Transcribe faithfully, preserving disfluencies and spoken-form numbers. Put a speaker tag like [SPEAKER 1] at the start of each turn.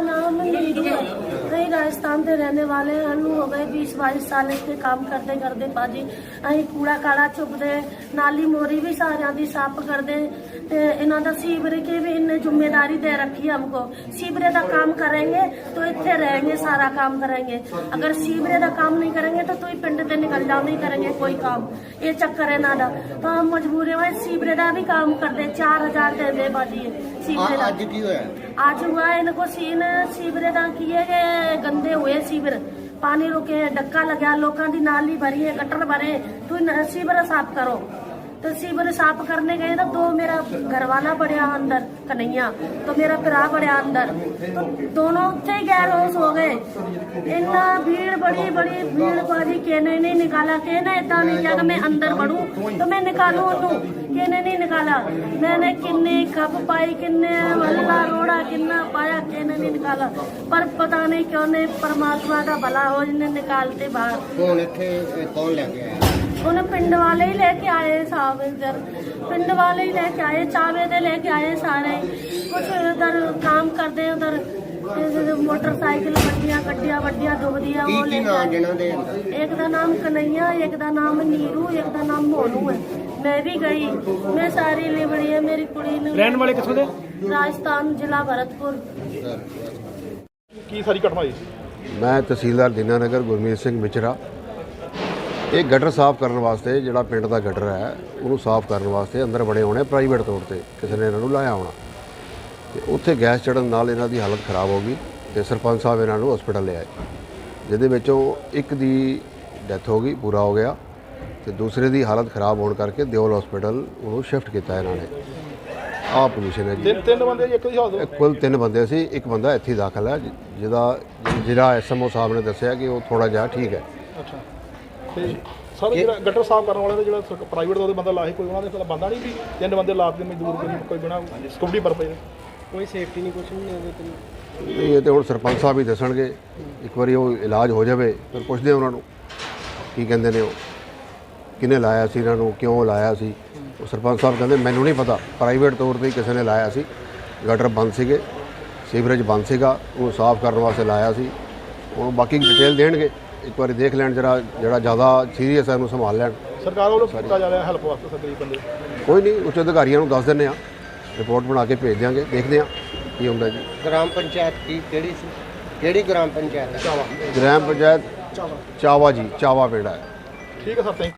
[SPEAKER 1] नाम नीरू है। कहीं राजस्थान के रहने वाले हनु हो गए बीस बाईस साल इसके काम करते करते भाजी अं कूड़ा काड़ा चुकते नाली मोरी भी सारिया की साफ करते इन्हों का सीवरे की भी इन्हें जिम्मेदारी दे रखी है हमको। सीवरे का काम करेंगे तो इतने रहेंगे, सारा काम करेंगे। अगर सीवरे का काम नहीं करेंगे तो तुम पिंड से निकल जाओ, नहीं करेंगे कोई काम। ये चक्कर है ना तो हम मजबूरी में सीवरे का भी काम करते। चार हजार दे दे भाजी सीवरे का।
[SPEAKER 2] आज की होया
[SPEAKER 1] आज हुआ इनको सीन सीवरे का किए गए, गंदे हुए सीवर, पानी रुके, डक्का लगा, लोगों की नाली भरी है, गटर भरे, तो सीवर साफ करो। तो सीवर साफ करने गए ना तो मेरा घर वाला बढ़िया अंदर कन्हैया, तो मेरा भरा बढ़िया अंदर, तो दोनों उत्थे ही गैर होश हो गए। इतना भीड़ बड़ी बड़ी भीड़ बाजी कहने नहीं निकाला, कहना इतना नहीं किया कि मैं अंदर बढ़ूं तो मैं निकालू ओनू, कहने नहीं निकाला। मैंने किन्ने कप पाई, किन्ने हल्ला रोड़ा किन्ना पाया, कहने नहीं निकाला। पर पता नहीं क्यों नहीं परमात्मा का भला हो जिन्हें निकालते बाहर।
[SPEAKER 2] कौन इत्थे कौन लेके आया?
[SPEAKER 1] उन्हें पिंड वाले ही लेके आए साहब, इधर पिंड वाले ही लेके आए, चावे दे लेके आए सारे। कुछ उधर काम करते उधर मोटरसाइकिल गड्डियां गड्डियां वड्डियां डुबदियां वो लेके आए। एक का नाम कन्हैया, एक का नाम नीरू, एक का नाम मोनू है। मैं भी गई, मैं सारी लिबड़ी है मेरी कुड़ी ने।
[SPEAKER 3] रहने वाले किथों दे?
[SPEAKER 1] राजस्थान जिला भरतपुर।
[SPEAKER 3] की सारी घटना हुई?
[SPEAKER 4] मैं तहसीलदार दीनानगर गुरमीत सिंह मिचरा। ਇਹ ਗਟਰ ਸਾਫ਼ ਕਰਨ ਵਾਸਤੇ ਜਿਹੜਾ ਪਿੰਡ ਦਾ ਗਟਰ ਹੈ ਉਹਨੂੰ ਸਾਫ਼ ਕਰਨ ਵਾਸਤੇ ਅੰਦਰ ਬੜੇ ਹੋਣੇ ਪ੍ਰਾਈਵੇਟ ਤੌਰ ਤੇ ਕਿਸੇ ਨੇ ਇਹਨਾਂ ਨੂੰ ਲਾਇਆ ਹੋਣਾ ਤੇ ਉੱਥੇ ਗੈਸ ਚੜਨ ਨਾਲ ਇਹਨਾਂ ਦੀ ਹਾਲਤ ਖਰਾਬ ਹੋ ਗਈ ਤੇ ਸਰਪੰਚ ਸਾਹਿਬ ਇਹਨਾਂ ਨੂੰ ਹਸਪੀਟਲ ਲੈ ਆਏ, ਜਿਹਦੇ ਵਿੱਚੋਂ ਇੱਕ ਦੀ ਡੈਥ ਹੋ ਗਈ, ਪੂਰਾ ਹੋ ਗਿਆ, ਤੇ ਦੂਸਰੇ ਦੀ ਹਾਲਤ ਖਰਾਬ ਹੋਣ ਕਰਕੇ ਦਿਓਲ ਹਸਪੀਟਲ ਉਹਨੂੰ ਸ਼ਿਫਟ ਕੀਤਾ ਇਹਨਾਂ ਨੇ। ਆਹ ਪੋਜੀਸ਼ਨ ਹੈ ਜੀ।
[SPEAKER 3] ਤਿੰਨ ਤਿੰਨ ਬੰਦੇ ਜੀ ਇੱਕ ਦੀ ਹਾਲਤ?
[SPEAKER 4] ਕੁੱਲ ਤਿੰਨ ਬੰਦੇ ਸੀ, ਇੱਕ ਬੰਦਾ ਇੱਥੇ ਦਾਖਲ ਹੈ ਜਿਹਦਾ ਜਿਹੜਾ ਐਸਐਮਓ ਸਾਹਿਬ ਨੇ ਦੱਸਿਆ ਕਿ ਉਹ ਥੋੜਾ ਜਿਹਾ ਠੀਕ ਹੈ।
[SPEAKER 3] ਅੱਛਾ, ਤੇ ਸਰ ਜਿਹੜਾ ਗਟਰ ਸਾਫ਼ ਕਰਨ ਵਾਲੇ ਦਾ ਜਿਹੜਾ ਪ੍ਰਾਈਵੇਟ ਦਾ ਉਹਦੇ ਬੰਦਾ ਲਾਹੀ, ਕੋਈ ਉਹਨਾਂ ਦੇ ਬੰਦਾ ਨਹੀਂ ਵੀ ਤਿੰਨ ਬੰਦੇ ਲਾ ਕੇ ਮਜ਼ਦੂਰ ਕੋਈ ਕੋਈ ਬਿਨਾ ਸਿਕਿਉਰਿਟੀ ਪਰਪਸ ਕੋਈ ਸੇਫਟੀ ਨਹੀਂ, ਕੁਛ ਨਹੀਂ ਉਹਦੇ ਤੇ।
[SPEAKER 4] ਇਹ ਤਾਂ ਹੁਣ ਸਰਪੰਚ ਸਾਹਿਬ ਹੀ ਦੱਸਣਗੇ, ਇੱਕ ਵਾਰੀ ਉਹ ਇਲਾਜ ਹੋ ਜਾਵੇ ਫਿਰ ਪੁੱਛਦੇ ਉਹਨਾਂ ਨੂੰ ਕੀ ਕਹਿੰਦੇ ਨੇ, ਉਹ ਕਿਹਨੇ ਲਾਇਆ ਸੀ ਇਹਨਾਂ ਨੂੰ, ਕਿਉਂ ਲਾਇਆ ਸੀ। ਉਹ ਸਰਪੰਚ ਸਾਹਿਬ ਕਹਿੰਦੇ ਮੈਨੂੰ ਨਹੀਂ ਪਤਾ, ਪ੍ਰਾਈਵੇਟ ਤੌਰ 'ਤੇ ਕਿਸੇ ਨੇ ਲਾਇਆ ਸੀ, ਗਟਰ ਬੰਦ ਸੀਗੇ, ਸੀਵਰੇਜ ਬੰਦ ਸੀਗਾ, ਉਹਨੂੰ ਸਾਫ਼ ਕਰਨ ਵਾਸਤੇ ਲਾਇਆ ਸੀ। ਉਹਨੂੰ ਬਾਕੀ ਡਿਟੇਲ ਦੇਣਗੇ, ਇੱਕ ਵਾਰੀ ਦੇਖ ਲੈਣ, ਜਰਾ ਜਿਹੜਾ ਜ਼ਿਆਦਾ ਸੀਰੀਅਸ ਹੈ ਉਹਨੂੰ ਸੰਭਾਲ ਲੈਣ।
[SPEAKER 3] ਸਰਕਾਰ ਵੱਲੋਂ ਕੀਤਾ ਜਾ ਰਿਹਾ ਹੈਲਪ ਵਾਸਤੇ ਗਰੀਬ ਬੰਦੇ?
[SPEAKER 4] ਕੋਈ ਨਹੀਂ, ਉੱਚ ਅਧਿਕਾਰੀਆਂ ਨੂੰ ਦੱਸ ਦਿੰਦੇ ਹਾਂ, ਰਿਪੋਰਟ ਬਣਾ ਕੇ ਭੇਜ ਦਿਆਂਗੇ, ਦੇਖਦੇ ਹਾਂ ਕੀ ਹੁੰਦਾ ਜੀ।
[SPEAKER 2] ਗ੍ਰਾਮ ਪੰਚਾਇਤ ਕੀ ਕਿਹੜੀ ਸੀ? ਕਿਹੜੀ ਗ੍ਰਾਮ ਪੰਚਾਇਤ?
[SPEAKER 3] ਚਾਵਾ।
[SPEAKER 4] ਗ੍ਰਾਮ ਪੰਚਾਇਤ ਚਾਵਾ ਜੀ, ਚਾਵਾ ਪਿੰਡ ਹੈ।
[SPEAKER 3] ਠੀਕ ਹੈ ਸਰ, ਥੈਂਕ